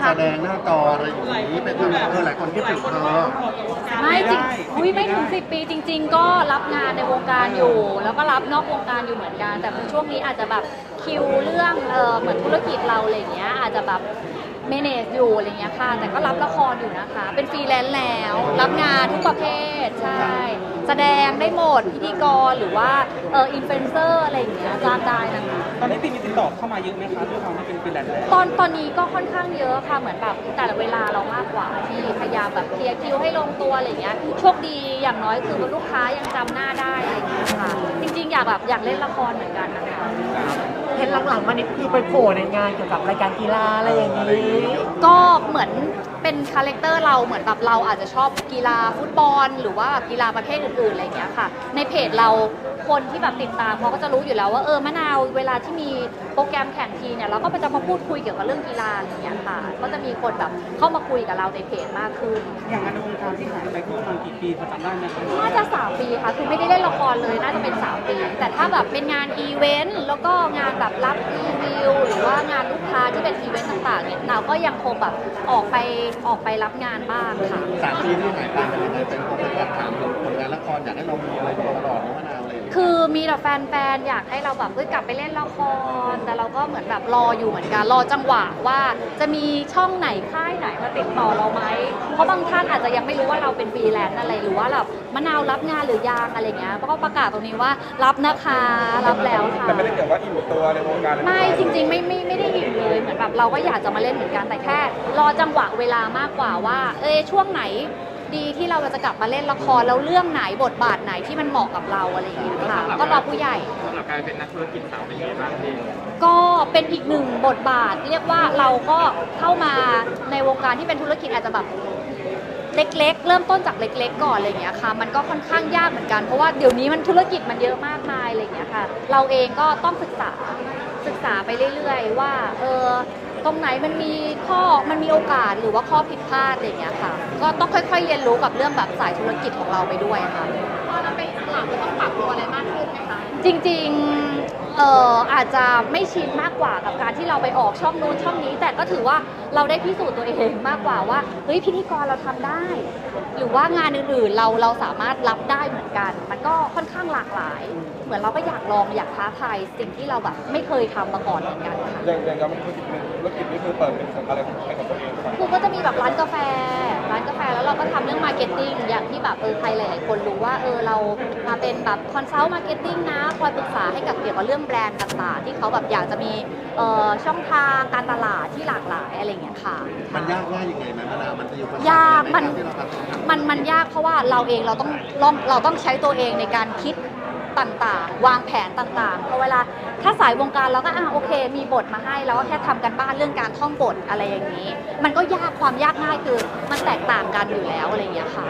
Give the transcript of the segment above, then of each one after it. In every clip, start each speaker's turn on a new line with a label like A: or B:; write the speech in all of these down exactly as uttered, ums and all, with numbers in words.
A: แสดงหน้าจออะไรอย่างนี้เป็นแบบเออหลายคนคิดถึงเธอ
B: ไม่จริงอุ้ยไม่ถึงสิบปีจริง ๆ ก็รับงานในวงการอยู่ แล้วก็รับนอกวงการอยู่เหมือนกัน แต่ช่วงนี้อาจจะแบบคิวเรื่องเออเหมือนธุรกิจเราอะไรเงี้ยอาจจะแบบเมเนจอยู่อะไรเงี้ยค่ะแต่ก็รับละครอยู่นะคะเป็นฟรีแลนซ์แล้วรับงานทุกประเภทใช่แสดงได้หมดพิธีกรหรือว่าเอออินฟลูเอนเซอร์อะไรอย่างเงี้ยจ้างได้นะคะ
C: ตอนนี้ตีมีติดต่อเข้ามาเยอะไหมคะด้วยความที่เป็นฟรีแลนซ์แล้ว
B: ตอนตอนนี้ก็ค่อนข้างเยอะค่ะเหมือนแบบแต่ละเวลาเรามากกว่าที่พยายามแบบเคลียร์คิวให้ลงตัวอะไรอย่างเงี้ยโชคดีอย่างน้อยคือลูกค้ายังจำหน้าได้อะไรอย่างเงี้ยค่ะจริงๆอยากแบบอยากเล่นละครเหมือนกันนะคะ
D: เห็นหลังๆมานี่คือไปโผล่ในงานเกี่ยวกับรายการกีฬาอะไรอย่างนี้
B: ก็เหมือนเป็นคาแรคเตอร์เราเหมือนแบบเราอาจจะชอบกีฬาฟุตบอลหรือว่ากีฬาประเภทอื่นๆอะไรอย่างเงี้ยค่ะในเพจเราคนที่แบบติดตามเขาก็จะรู้อยู่แล้วว่าเออมะนาวเวลาที่มีโปรแกรมแข่งทีเนี่ยเราก็จะมาพูดคุยเกี่ยวกับเรื่องกีฬาอะไรอย่างเงี้ยค่ะก็จะมีคนแบบเข้ามาคุยกับเราในเพจมากขึ้น
C: อย่างงานในวงการที่หายไปก็ประมาณกี่ปีพอจำได้ไหมคะ
B: น่าจะสามปีค่ะคือไม่ได้เล่นละครเลยน่าจะเป็นสามปีแต่ถ้าแบบเป็นงานอีเวนต์แล้วก็งานแบบรับรีวิวหรือว่างานลูกค้าที่เป็นอีเวนต์ต่างๆเนี่ยเราก็ยังคงแบบออกไปออกไปรับงานบ้างค่ะ
A: สามปีที่หายไปเป็นยังไงเป็นคนเป็นการถามผลงานละครอยากให้เรามีอะไรตลอดนะมะนาวอะไรอย่างเงี้ย
B: คือมีแต่แฟนๆอยากให้เราแบบเอ้ยกลับไปเล่นละครแต่เราก็เหมือนแบบรออยู่เหมือนกันรอจังหวะว่าจะมีช่องไหนค่ายไหนมาติดต่อเราไหมเพราะบางท่านอาจจะยังไม่รู้ว่าเราเป็นฟรีแลนซ์อะไรหรือว่าแบบมะนาวรับงานหรือยังอะไรเงี้ยก็ประกาศตรงนี้ว่ารับนะคะรับแล้วค่ะ
C: แต่ไม่ได้เกี่ยวว่าอิ่มตัวในวงการ
B: ไม่จริงๆไม่ไม่ไม่ได้หิวเลยเหมือนแบบเราก็อยากจะมาเล่นเหมือนกันแต่แค่รอจังหวะเวลามากกว่าว่าเอ้ยช่วงไหนดีที่เราจะกลับมาเล่นละครแล้วเรื่องไหนบทบาทไหนที่มันเหมาะกับเราอะไรอย่างเงี้ยค่ะก็รอผู้ใหญ่
C: สำหรับการเป็นนักธุรกิจสาวเป็นยังไงบ้างพี่
B: ก็เป็นอีกหนึ่งบทบาทเรียกว่าเราก็เข้ามาในวงการที่เป็นธุรกิจอาจจะแบบเล็กๆ เริ่มต้นจากเล็กๆก่อนอะไรอย่างเงี้ยค่ะมันก็ค่อนข้างยากเหมือนกันเพราะว่าเดี๋ยวนี้มันธุรกิจมันเยอะมากมายอะไรอย่างเงี้ยค่ะเราเองก็ต้องศึกษาศึกษาไปเรื่อยๆว่าเออตรงไหนมันมีข้อมันมีโอกาสหรือว่าข้อผิดพลาดอะไรอย่างเงี้ยค่ะก็ต้องค่อยๆเรียนรู้กับเรื่องแบบสายธุรกิจของเราไปด้วยค่ะพอเราเป็นอิสระก็ต้องปรับตัวอะไรมากขึ้นไหมคะจริงๆเอ่ออาจจะไม่ชินมากกว่ากับการที่เราไปออกช่องนู้นช่องนี้ แต่ก็ถือว่าเราได้พิสูจน์ตัวเองมากกว่าว่าเฮ้ยพิธีกรเราทำได้ หรือว่างานอื่นๆเราเราสามารถรับได้เหมือนกัน มันก็ค่อนข้างหลากหลาย เหมือนเราก็อยากลองอยากท้าทายสิ่งที่เราแบบไม่เคยทำมาก่อนเหมือนกันค่ะ
C: อย่างอย่างการเป็นธุรกิจธุรกิจนี่คือเปิดเป็นอะไรของใครของตัวเองครับ
B: คือก็จะมีแบบร้านกาแฟ ร้านกาแฟแล้วเราก็ทำเรื่องมาร์เก็ตติ้งอย่างที่แบบเออใครหลายๆคนรู้ว่าเออเรามาเป็นแบบคอนซัลท์มาร์เก็ตติ้งนะคอยปรึกษาให้กับเกี่ยวกับเรื่องแบรนด์ต่างๆที่เขาแบบอยากจะมีเอ่อช่องทางการตลาดที่หลากหลายอะไรอย่างเงี้ยค่ะ
A: มันยากง่ายยังไงไหมมะนาวมันจะอยู่
B: ยากมัน
A: ที่เราทำ
B: มันมันยากเพราะว่าเราเองเราต้องลองเราต้องใช้ตัวเองในการคิดต่างๆ วางแผนต่างๆเพราะเวลาถ้าสายวงการเราก็อ่ะโอเค มีบทมาให้เราก็แค่ทำกันบ้านเรื่องการท่องบทอะไรอย่างนี้ มันก็ยากความยากง่ายคือมันแตกต่างกันอยู่แล้วอะไรอย่างเงี้ยค่ะ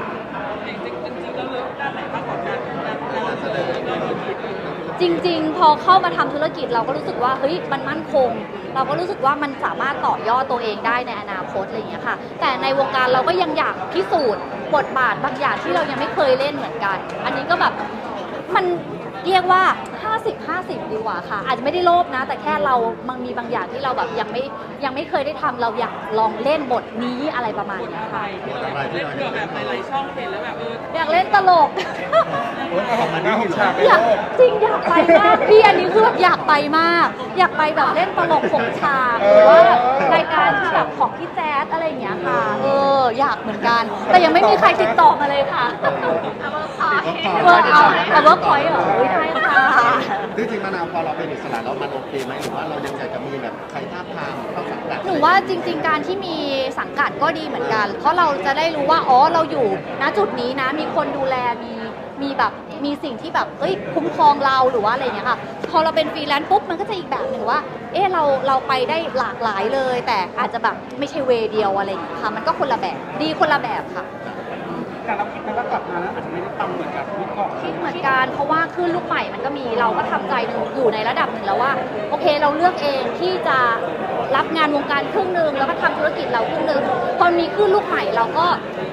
B: จริงๆ พอเข้ามาทำธุรกิจเราก็รู้สึกว่าเฮ้ยมันมั่นคง เราก็รู้สึกว่ามันสามารถต่อยอดตัวเองได้ในอนาคตอะไรอย่างเงี้ยค่ะแต่ในวงการเราก็ยังอยากพิสูจน์บทบาทบางอย่างที่เรายังไม่เคยเล่นเหมือนกัน อันนี้ก็แบบมันเรียกว่า ห้าสิบ ห้าสิบ ดีกว่าค่ะ อาจจะไม่ได้โลภนะ แต่แค่เรามันมีบางอย่างที่เราแบบยังไม่ยังไม่เคยได้ทำเราอยากลองเล่นบทนี้อะไรประมาณเนี้ยค่ะ
A: อะไรที่เราอยาก
E: แบบหลายๆช่องเห็นแล้วแบบเออ
B: อยากเล่นตลก
A: คอมเมดี้เหรอ
B: อยากจริงอยากไปมากพี่อันนี้คือแบบอยากไปมาก อยากไปแบบเล่นตลกของฉากหรือว่ารายการที่แบบของพี่แจ๊ดอะไรอย่างเงี้ยค่ะเอออยากเหมือนกัน แต่ยังไม่มีใครติดต่อมาเลยค่ะเวิร์กเอาเอาเวิร์กพอยต์เหรออุ๊ยได้ค่ะ
A: จริงๆมะนาวพอเราเป็นอิสระแล้วมันโอเคไหมหรือว่าเรายังอยากจะมีแบบใครท้าบทามเข้าสังกัด
B: หนูว่าจริง ๆ การที่มีสังกัดก็ดีเหมือนกัน เพราะเราจะได้รู้ว่าอ๋อเราอยู่ณจุดนี้นะมีคนดูแลมีมีแบบมีสิ่งที่แบบเอ้ยคุ้มครองเราหรือว่าอะไรอย่างเงี้ยค่ะพอเราเป็นฟรีแลนซ์ปุ๊บมันก็จะอีกแบบหนึ่งว่าเออเราเราไปได้หลากหลายเลย แต่อาจจะแบบไม่ใช่เวย์เดียวอะไรอย่างเงี้ยค่ะมันก็คนละแบบดีคนละแบบค่ะ
C: การรับคิดแล้วกลับมาแล้วอาจจะไม่ได้ปังเหมือนกับที่ก่อน
B: คิดเหมือนกันเพราะว่าคลื่นลูกใหม่มันก็มีเราก็ทำใจอยู่ในระดับหนึ่งแล้วว่าโอเคเราเลือกเองที่จะรับงานวงการครึ่งหนึ่งแล้วก็ทำธุรกิจเราครึ่งหนึ่งพอมีคลื่นลูกใหม่เราก็คิด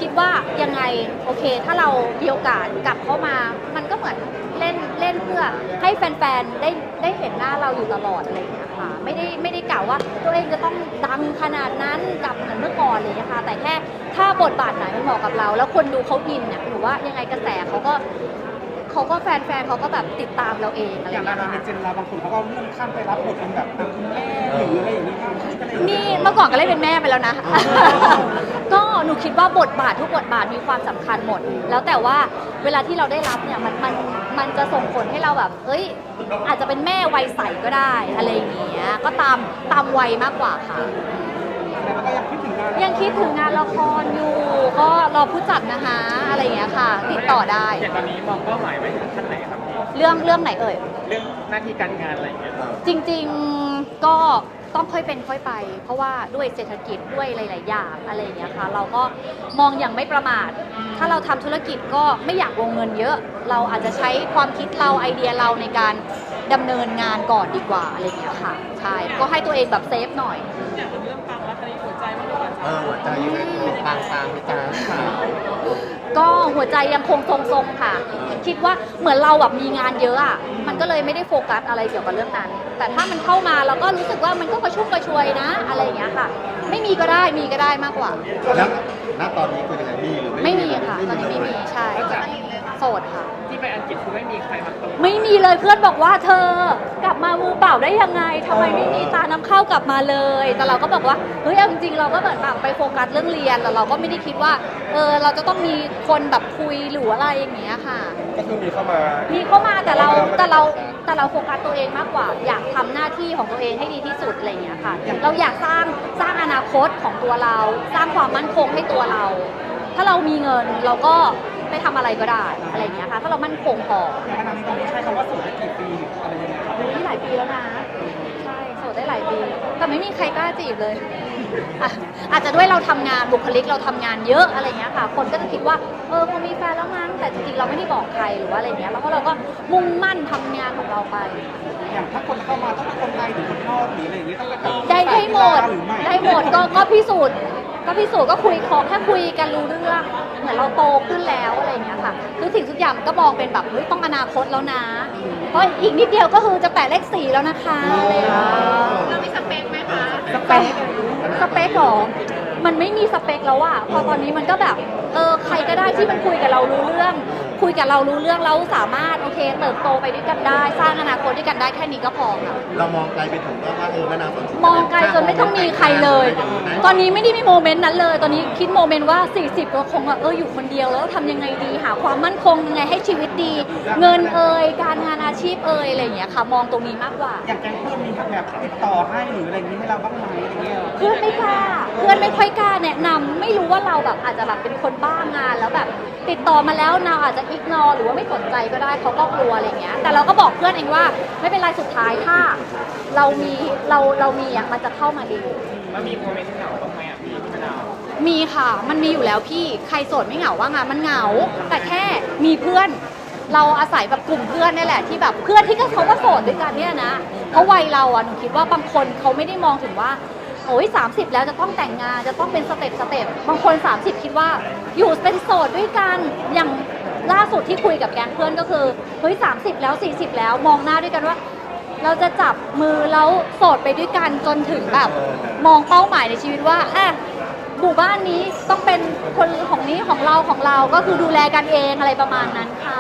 B: คิดว่ายังไงโอเค ถ้าเรามีโอกาสกลับเข้ามา มันก็เหมือนเล่นเล่นเพื่อให้แฟนๆได้ได้เห็นหน้าเราอยู่ตลอดอะไรอย่างเงี้ยค่ะไม่ได้ไม่ได้กล่าวว่าตัวเองจะต้องดังขนาดนั้นกลับเหมือนเมื่อก่อนเลยนะคะแต่แค่ถ้าบทบาทไหนมันเหมาะกับเรา แล้วคนดูเขาอินเนี่ยหนูว่ายังไงกระแสเขาก็เขาก็แฟนๆเขาก็แบบติดตามเราเองอะไรอ
C: อย่า
B: ย่าง ง
C: ดา
B: เงี้ย
C: ราใน
B: ค่ะ
C: เจนเราบางคนเขาก็เลื่อนขั้นไปรับบทเป็นแบบคุณแม่หรืออะไรอย่างนี้มากขึ้นอะไรอย่างเงี้ย
B: นี่เมื่อก่อนก็เล่นเป็นแม่ไปแล้วนะ ก็หนูคิดว่าบทบาททุกบทบาทมีความสำคัญหมด แล้วแต่ว่าเวลาที่เราได้รับเนี่ยมันมันมันจะส่งผลให้เราแบบ เอ้ย อาจจะเป็นแม่วัยใสก็ได้อะไรอย่างเงี้ย ก็ตามตามวัยมากกว่าค่ะ
C: แต่มันก็ยังคิดถึงงาน
B: ยังคิดถึงงานละครอยู่ ก็รอผู้จัดนะคะอะไรอย่างเงี้ยค่ะ ติดต่อได้
E: อย่างตอนนี้มองเป้าหมายไว้ถึงขั้นไหนครับพี่
B: เรื่องเรื่องไหนเอ่ย
E: เรื่องหน้าที่การงานอะไรอย่างเงี้ย
B: จริงๆก็ต้องค่อยเป็นค่อยไป เพราะว่าด้วยเศรษฐกิจด้วยหลาย ๆ อย่างอะไรอย่างเงี้ยค่ะเราก็มองอย่างไม่ประมาท ถ้าเราทำธุรกิจก็ไม่อยากลงเงินเยอะ เราอาจจะใช้ความคิดเราไอเดียเราในการดำเนินงานก่อนดีกว่าอะไรอย่างเงี้ยค่ะใช่ก็ให้ตัวเองแบบเซฟหน่อย
E: อย่างเรื่องปังแล้วตอนนี้หัวใจมันก็
A: เออหัวใจยังไงตามตามพี่ตาค่ะ
B: ก็หัวใจยังคงทรงๆค่ะ คิดว่าเหมือนเราแบบมีงานเยอะอ่ะมันก็เลยไม่ได้โฟกัสอะไรเกี่ยวกับเรื่องนั้น แต่ถ้ามันเข้ามาเราก็รู้สึกว่ามันก็กระชุ่มกระชวยนะอะไรอย่างเงี้ยค่ะ ไม่มีก็ได้มีก็ได้มากกว่า
A: แล้วณตอนนี้คือยังไงมีหรือ
B: ไม่มีค่ะตอนนี้ไม่มีใช่โสดค่ะ
E: ที่ไปอังกฤษคือไม่มีใครมาตก
B: ไม่มีเลยเพื่อนบอกว่าเธอกลับมามือเปล่าได้ยังไงทำไมไม่มีตาน้ำเข้ากลับมาเลย แต่เราก็บอกว่าเฮ้ยเอาจริงๆเราก็เหมือนแบบไปโฟกัสเรื่องเรียนแล้วเราก็ไม่ได้คิดว่าเออเราจะต้องมีคนแบบคุยหรืออะไรอย่างเงี้ยค่ะ
C: ก็คือมีเข้ามา
B: มีเข้ามาแต่เราแต่เราแต่เราโฟกัสตัวเองมากกว่า อยากทำหน้าที่ของตัวเองให้ดีที่สุดอะไรอย่างเงี้ยค่ะ เราอยากสร้างสร้างอนาคตของตัวเรา สร้างความมั่นคงให้ตัวเรา ถ้าเรามีเงินเราก็ไปทำอะไรก็ได้อะไรอย่างเงี้ยค่ะถ้าเรามั่นคงพอ
C: อย่างขนาดนี้ตอนนี้ใช้คำว่าโสดได้กี่ปีอะไรยังไงครับ
B: อยู่ที่หลายปีแล้วนะ ใช่โสดได้หลายปีแต่ไม่มีใครกล้าจีบเลยอ่ะอาจจะด้วยเราทำงานบุคลิกเราทำงานเยอะอะไรเงี้ยค่ะ คนก็จะคิดว่าเออคงมีแฟนแล้วมั้งแต่จริงๆเราไม่ได้บอกใครหรือว่าอะไรเงี้ยแล้วก็เราก็มุ่งมั่นทำงานของเราไป
C: อย่างถ้าคนเข้ามาต้องเป็นคนไทยหรือคนนอกหรืออะไรอย่างนี้ต้องเป็นแบบ
B: ได้ได้หมด
C: หรือไม่
B: ได้หมดก็ก็พิสูจน์ก็พิสูจน์ก็คุยขอแค่คุยกันรู้เรื่องเหมือนเราโตขึ้นแล้วอะไรอย่างเงี้ยค่ะทุกสิ่งทุกอย่างมันก็มองเป็นแบบเฮ้ยต้องอนาคตแล้วนะ เพราะอีกนิดเดียวก็คือจะแปะเลขสี่แล้วนะคะอะไรอย่างเงี้ย
F: เรามีสเปคไหมคะ
B: สเปคสเปคเหรอมันไม่มีสเปคแล้วอะพอตอนนี้มันก็แบบเออใครก็ได้ที่มันคุยกับเรารู้เรื่อง คุยกับเรารู้เรื่องแล้วสามารถโอเคเติบโตไปด้วยกันได้ สร้างอนาคตด้วยกันได้แค่นี้ก็พอค่ะ
A: เรามองไกลไปถึงว่าเออมะนาวสนใจ
B: มองไกลจนไม่ต้องมีใครเลย ตอนนี้ไม่ได้มีโมเมนต์นั้นเลย ตอนนี้คิดโมเมนต์ว่า สี่สิบเราคงแบบเอออยู่คนเดียวแล้วทำยังไงดี หาความมั่นคงยังไงให้ชีวิตดี เงินเอ่ยการงานอาชีพเอ่ยอะไรอย่างเงี้ยค่ะ มองตรงนี้มากกว่า
C: อย่างแก๊งเพื่อนมีแบบติดต่อให้หรืออะไรอย่างนี้ให้เราบ้างไหมอะไรเงี้ย
B: เพื่อนไม่กล้า เพื่อนไม่ค่อยกล้าแนะนำไม่รู้ว่าเราแบบอาจจะแบบเป็นคนบ้างานแล้วแบบติดต่อมาแล้วนาวอาจจะอิกนอหรือว่าไม่สนใจก็ได้เขาก็กลัวอะไรเงี้ย แต่เราก็บอกเพื่อนเองว่าไม่เป็นไรสุดท้ายถ้า เรามีเราเรามีอ่ะมันจะเข้ามาเอง
E: แล้วมีโมเมนต์เหงาบ้างไหมอ่ะพี่พี่มะนาว
B: มีค่ะ มันมีอยู่แล้วพี่ใครโสดไม่เหงาว่างานมันเหงา แต่แค่มีเพื่อน เราอาศัยแบบกลุ่มเพื่อนนี่แหละที่แบบเพื่อนที่ก็เขาก็โสดด้วยกันเนี่ยนะเพราะวัยเราอ่ะหนูคิดว่าบางคนเขาไม่ได้มองถึงว่า โอ้ยสามสิบแล้วจะต้องแต่งงานจะต้องเป็นสเต็ปสเต็ปบางคนสามสิบคิดว่าอยู่เป็นโสดด้วยกันอย่างล่าสุดที่คุยกับแก๊งเพื่อนก็คือเฮ้ยสามสิบแล้วสี่สิบแล้วมองหน้าด้วยกันว่า เราจะจับมือแล้วโสดไปด้วยกันจนถึงแบบมองเป้าหมายในชีวิตว่าอ่ะหมู่บ้านนี้ต้องเป็นคนของนี้ของเราของเราก็คือดูแลกันเองอะไรประมาณนั้นค่ะ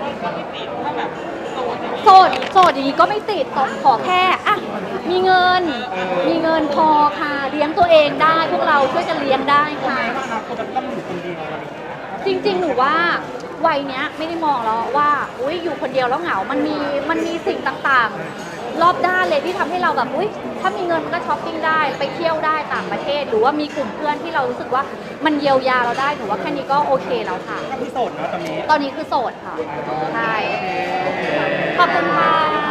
B: โสดโสดอย่างนี้ก็ไม่ติดขอขอแค่อ่ะมีเงิน มีเงินพอค่ะเลี้ยงตัวเองได้พวกเราช่วยกันเลี้ยงได้ค่ะ
C: ในอนาคตมันต้องอยู่คนเดียวอะไรอย่างเงี้ย
B: จริงๆ หนูว่าวัยเนี้ยไม่ได้มองแล้วว่าอุ้ยอยู่คนเดียวแล้วเหงา มันมีมันมีสิ่งต่างๆ รอบด้านเลยที่ทำให้เราแบบอุ้ยถ้ามีเงินมันก็ช้อปปิ้งได้ไปเที่ยวได้ต่างประเทศ หรือว่ามีกลุ่มเพื่อนที่เรารู้สึกว่ามันเยียวยาเราได้ถือว่าแค่นี้ก็โอเคแล้วค่ะ
C: ก็คือโสดนะตอนนี้
B: ตอนนี้คือโสดค่ะใช่ขอบคุณค่ะ